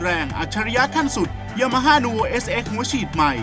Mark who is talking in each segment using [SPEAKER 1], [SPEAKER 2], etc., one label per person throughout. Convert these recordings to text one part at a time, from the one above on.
[SPEAKER 1] แรงอัจฉริยะขั้นสุด Yamaha Nuvo SX หัวฉีดใหม่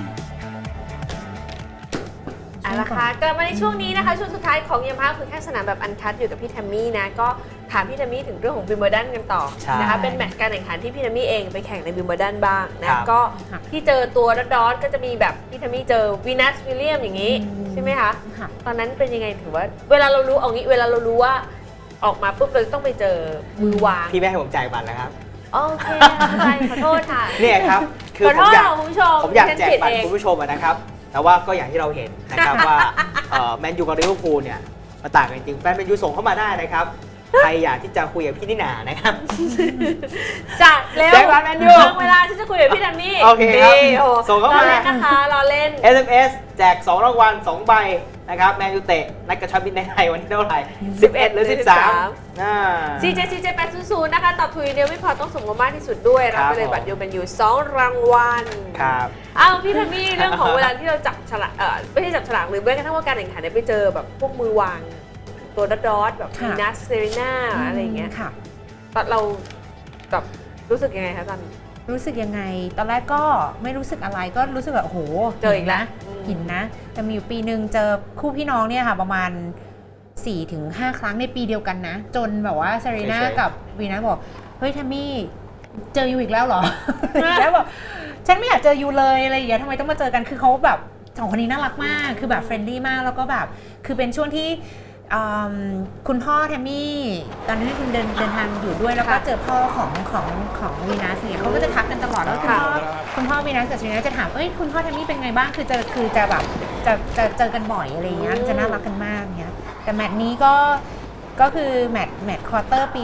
[SPEAKER 2] เอาละค่ะกลับมาในช่วงนี้นะคะช่วงสุดท้ายของYamahaคือแค่สนามแบบอันคัดอยู่กับพี่แทมมี่นะก็ถามพี่แทมมี่ถึงเรื่องของวิมเบิลดันกันต่อนะคะเป็นแมตช์การแข่งขันที่พี่แทมมี่เองไปแข่งในวิมเบิลดันบ้างนะก็ที่เจอตัวดอทก็จะมีแบบพี่แทมมี่เจอวีนัสวิลเลียมอย่างนี้ใช่ไหมคะตอนนั้นเป็นยังไงถือว่าเวลาเรารู้เอางี้เวลาเรารู้ว่าออกมาปุ๊บเราต้องไปเจอมือวาง
[SPEAKER 3] พี่แม่ให้ผมจ่ายบัตรแล้วครับ
[SPEAKER 2] โอเคขอโทษค่ะ
[SPEAKER 3] เนี่ยครับ
[SPEAKER 2] คือผม
[SPEAKER 3] อยากแจกบัตรคุณผู้ชมนะครับแต่ว่าก็อย่างที่เราเห็นนะครับว่าแมนยูกับลิเวอร์พูลเนี่ยมาต่างกันจริงแฟนแมนยูส่งเข้ามาได้นะครับใครอยากที่จะคุยกับพี่นิน่านะครับ
[SPEAKER 2] จัดเร็ว
[SPEAKER 3] แจกบัตรแมนยู
[SPEAKER 2] เวลาที่จะคุยกับพี่แทมมี่
[SPEAKER 3] โอเคครับส่งเข้ามา
[SPEAKER 2] เล่นนะคะรอเล่น
[SPEAKER 3] SMS แจก2รางวัล2ใบนะครับแมนยูเตะนัดกระชับมิตรในไทยวันที่เท่าไหร่11หรือ13
[SPEAKER 2] CJ 800นะคะตอบถูกเดียวไม่พอต้องส่งมามากที่สุดด้วยรับไปเลยบัตรยูเป็นอยู่2รางวัล
[SPEAKER 3] ครับ
[SPEAKER 2] พี่แทมมี่เรื่องของเวลาที่เราจับฉลากไม่ใช่จับฉลากหรือแม้กระทั่งว่าการแข่งขันไปเจอแบบพวกมือวางตัวดอทแบบวีนัสเซรีน่าอะไรอย่างเงี้ยค่ะตอนเราแบบรู้สึกยังไงคะตอน
[SPEAKER 4] รู้สึกยังไงตอนแรกก็ไม่รู้สึกอะไรก็รู้สึกแบบโอ้โห
[SPEAKER 2] เจออีกแล้ว
[SPEAKER 4] หินนะแต่มีอยู่ปีหนึ่งเจอคู่พี่น้องเนี่ยค่ะประมาณ 4-5 ครั้งในปีเดียวกันนะจนแบบว่าเซรีน่ากับวีนัสบอกเฮ้ยแทมมี่เจอยูอีกแล้วเหรอ แล้วบอกฉันไม่อยากเจอยูเลยอะไรอย่างเงี้ยทำไมต้องมาเจอกันคือเขาแบบสองคนนี้น่ารักมากคือแบบเฟรนดี้มากแล้วก็แบบคือเป็นช่วงที่คุณพ่อแทมมี่ตอนนั้นคุณเดินทางอยู่ด้วยแล้วก็เจอพ่อของวีนัสเนี่ยเขาก็จะทักกันตลอดแล้วคุณพ่อวีนัสกับเซรีน่าจะถามคุณพ่อแทมมี่เป็นไงบ้างคือจะแบบจะเจอกันบ่อยอะไรอย่างเงี้ยจะน่ารักกันมากเนี่ยแต่แมตช์นี้ก็คือแมตช์ควอเตอร์ปี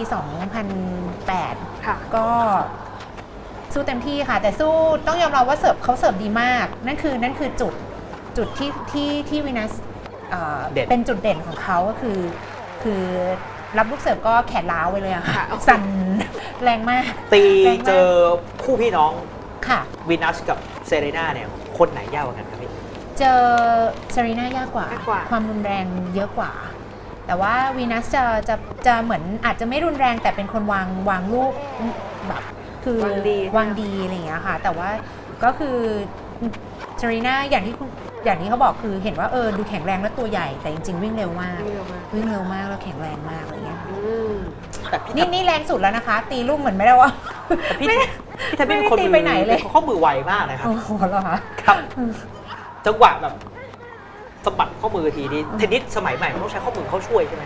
[SPEAKER 4] 2008 ก็สู้เต็มที่ค่ะแต่สู้ต้องยอมรับว่าเขาเสิร์ฟดีมากนั่นคือจุดที่วีนัสเป็นจุดเด่นของเขาก็คือรับลูกเสิร์ฟก็แขนล้าวไปเลยอะค่ะสั่นแรงมาก
[SPEAKER 3] ตีเจอคู่พี่น้อง
[SPEAKER 4] ค่ะ
[SPEAKER 3] วีนัสกับเซเรน่าเนี่ยคนไหนยากกว่ากันครับพี่
[SPEAKER 4] เจอเซเรน่ายากกว่าความรุนแรงเยอะกว่าแต่ว่าวีนัสจะเหมือนอาจจะไม่รุนแรงแต่เป็นคนวางลูกแบบคือวางดีอะไรอย่างเงี้ยค่ะแต่ว่าก็คือเซเรน่าอย่างที่เขาบอกคือเห็นว่าดูแข็งแรงและตัวใหญ่แต่จริงๆวิ่งเร็วมากแล้วแข็งแรงมากอะไรเงี้ยนี่แรงสุดแล้วนะคะตีลูกเหมือนไม่ได้ว่า
[SPEAKER 3] พี่ถ้าเป็นคน
[SPEAKER 4] ไปไหนเลย
[SPEAKER 3] เขามือไวมากนะครับ
[SPEAKER 4] โอ้โหเหรอคะ
[SPEAKER 3] ครับจังหวะแบบสะบัดข้อมือทีนี้เทนนิสสมัยใหม่มันต้องใช้ข้อมือเขาช่วยใช่ไหม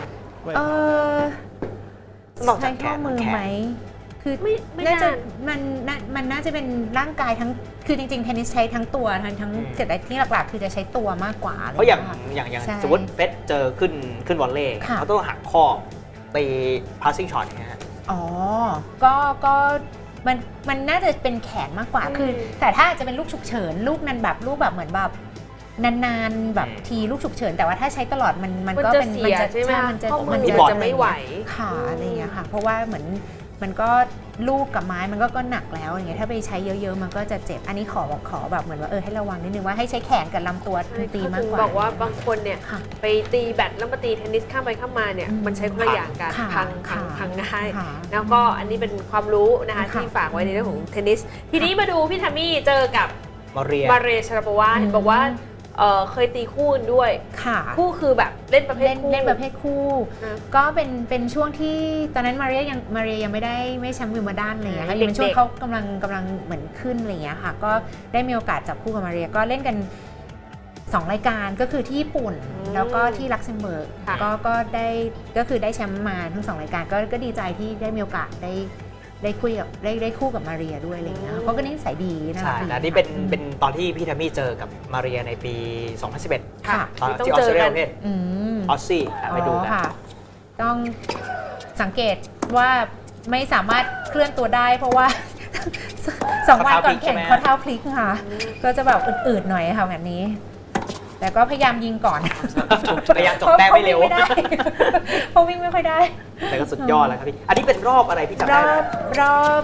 [SPEAKER 4] ใช้ข้อมือไหมคือน่าจะมันน่าจะเป็นร่างกายทั้งคือจริงๆเทนนิสใช้ทั้งตัวทั้งแต่ที่หลักๆคือจะใช้ตัวมากกว่า
[SPEAKER 3] เพราะอย่างสมมติเฟสเจอขึ้นวอลเลย์เขาต้องหักข้อตี passing shot อย่างเงี้ย
[SPEAKER 4] อ๋อก็มันน่าจะเป็นแขนมากกว่าคือแต่ถ้าจะเป็นลูกฉุกเฉินลูกนั้นแบบลูกแบบเหมือนแบบนานๆแบบทีลูกฉุกเฉินแต่ว่าถ้าใช้ตลอดมันก็เป็น
[SPEAKER 2] มันจะใช่ไหมมันจะไม่ไหว
[SPEAKER 4] ค่ะอะไรอย่างเงี้ยค่ะเพราะว่าเหมือนมันก็ลูกกับไม้มันก็หนักแล้วอย่างเงี้ยถ้าไปใช้เยอะๆมันก็จะเจ็บอันนี้ขอแบบเหมือนว่าให้ระวังนิดนึงว่าให้ใช้แขนกับลำตัวตีมากกว่า
[SPEAKER 2] บอกว่าบางคนเนี่ยไปตีแบดแล้วมาตีเทนนิสข้ามไปข้ามมาเนี่ยมันใช้คนละอย่างกันพังง่ายแล้วก็อันนี้เป็นความรู้นะคะที่ฝากไว้ในเรื่องของเทนนิสทีนี้มาดูพี่ทัมมี่เจอกับมาเรียชาราโปวาเห็นบอกว่าเคยตีคู่กันด้วยคู่คือแบบเล่นประเภทคู่
[SPEAKER 4] ก็เป็นช่วงที่ตอนนั้นมาเรียยังไม่แชมป์วิมเบิลดันอะไรอย่างเงี้ยค่ะเป็นช่วงเขากำลังเหมือนขึ้นอะไรอย่างเงี้ยค่ะก็ได้มีโอกาสจับคู่กับมาเรียก็เล่นกัน2รายการก็คือที่ญี่ปุ่นแล้วก็ที่ลักเซมเบิร์กก็คือได้แชมป์มาทั้ง2รายการก็ดีใจที่ได้มีโอกาสได้คู่กับมาเรียด้วยอะไรอย่างเงี้ยเขาก็นิสัยดีนะ
[SPEAKER 3] ใช่แต่นี่เป็นตอนที่พี่แทมมี่เจอกับมาเรียในปี 2011
[SPEAKER 4] ค่ะ
[SPEAKER 3] ตอนที่ออสเตรเลียประเภทออสซี่ไปดูกัน
[SPEAKER 4] ต้องสังเกตว่าไม่สามารถเคลื่อนตัวได้เพราะว่า2 วันก่อนแข่งเขาเท้าพลิกค่ะก็จะแบบอืดๆหน่อยค่ะแบบนี้แต่ก็พยายามยิงก่อน
[SPEAKER 3] พยายามจบแต้มไม่เร็ว
[SPEAKER 4] เพราะวิ่งไม่ค่อยได้
[SPEAKER 3] แต่ก็สุดยอดแล้วครับพี่อันนี้เป็นรอบอะไรพี่จำได้ไหม
[SPEAKER 4] รอบ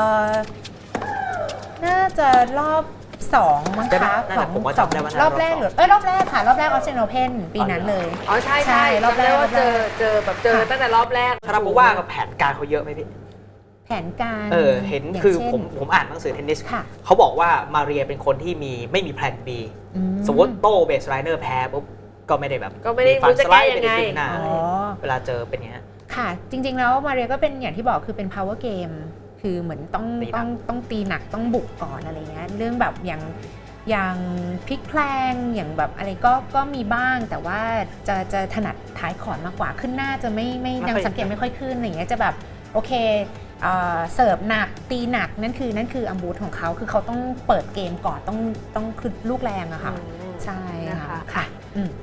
[SPEAKER 4] น่าจะรอบ2มั้งคะรอบแรกหรือรอบแรกค่ะรอบแรกออสเตรเลียโอเพ่นปีนั้นเลย
[SPEAKER 2] อ๋อใช่รอบแรกว่าเจอตั้งแต่รอบแรก
[SPEAKER 3] ชาราโปว่ากับแผนการเขาเยอะไหมพี่
[SPEAKER 4] แแผนการ
[SPEAKER 3] เห็น
[SPEAKER 4] ย่าง
[SPEAKER 3] คือ
[SPEAKER 4] ช่น
[SPEAKER 3] ผมอ่านหนังสือเทนนิส
[SPEAKER 4] ค่ะ
[SPEAKER 3] เขาบอกว่ามาเรียเป็นคนที่ไม่มีแพลน B สมมติโต้เบสไลเนอร์แพ้ปุ๊บก็ไม่ได้แบบ
[SPEAKER 2] ก็ไม่ได้
[SPEAKER 3] ฟัน
[SPEAKER 2] รู้จะ
[SPEAKER 3] สไล
[SPEAKER 2] แก้
[SPEAKER 3] ด์
[SPEAKER 2] ยั
[SPEAKER 3] ไม่
[SPEAKER 2] งไง
[SPEAKER 3] ได้ขึ้นหน้า
[SPEAKER 4] อ๋อ
[SPEAKER 3] เวลาเจอเป็นอย่างนี้ย
[SPEAKER 4] ค่ะ จริงๆแล้วมาเรียก็เป็นอย่างที่บอกคือเป็น power game คือเหมือนต้อง
[SPEAKER 3] ตีหนัก
[SPEAKER 4] ต้องตีหนักต้องบุกก่อนอะไรเงี้ยเรื่องแบบอย่างพลิกแพลงอย่างแบบอะไรก็มีบ้างแต่ว่าจะถนัดท้ายขอนมากกว่าขึ้นหน้าจะไม่ยังสังเกตไม่ค่อยขึ้นอะไรเงี้ยจะแบบโอเคเสิร์ฟหนักตีหนักนั่นคืออัมบูธของเขาคือเขาต้องเปิดเกมก่อนต้องคือลูกแรงอะค่ะ ใช่
[SPEAKER 2] นะคะ
[SPEAKER 4] ค่ะ